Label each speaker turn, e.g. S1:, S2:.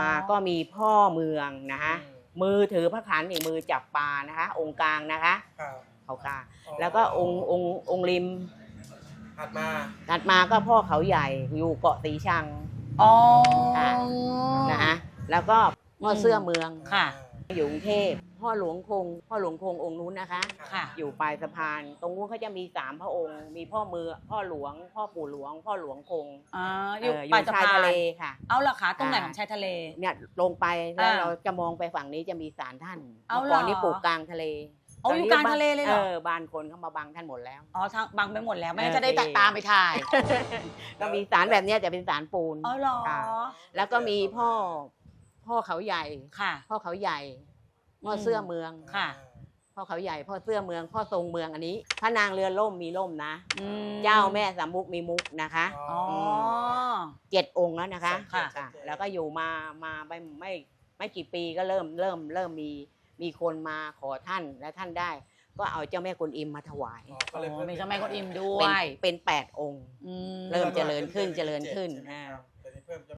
S1: มาก็มีพ่อเมืองนะคะมือถือพระขันอีกมือจับปลานะคะ องค์กลางนะคะเขากลางแล้วก็องค์ริมถัดมาก็พ่อเขาใหญ่อยู่เกาะสีชังนะคะแล้วก็พ่อเสื้อเมือง
S2: ค่ะ
S1: อยู่กรุงเทพพ่อหลวงคงองค์นู้นนะคะอยู่ปลายสะพานตรงนู้นเขาจะมี3 พระองค์มีพ่อเมืองพ่อหลวงพ่อปู่หลวงพ่อหลวงคง
S2: อยู่ปลายสะพาน
S1: ทะเลค่ะ
S2: เอาล่ะคะตรงไหนของชายทะเล
S1: เนี่ยลงไปแล้วเราจะมองไปฝั่งนี้จะมีศาลท่านก่อนนี้ปลูกกลางทะเล
S2: อยู่กลางทะเลเลยเหรอ
S1: บ้านคนเขามาบังท่านหมดแล้ว
S2: ทางบังไปหมดแล้วไม่งั้นจะได้ตามไปถ่าย
S1: ก็มีศาลแบบนี้จะเป็นศาลปูน
S2: เหรอ
S1: แล้วก็มีพ่อเขาใหญ่พ่อเขาใหญ่พ่อเสื้อเมืองพ่อเขาใหญ่พ่อเสื้อเมืองพ่อทรงเมืองอันนี้พระนางเรือล่มมีล่มนะเจ้าแม่สามมุกมีมุกนะคะ7 องค์แล้วนะคะแล้วก็อยู่มาไม่กี่ปีก็เริ่มมีคนมาขอท่านและท่านได้ก็เอาเจ้าแม่กวนอิมมาถวาย
S2: มีเจ้าแม่กวนอิมด้วย
S1: เป็น8 องค์เริ่มเจริญขึ้น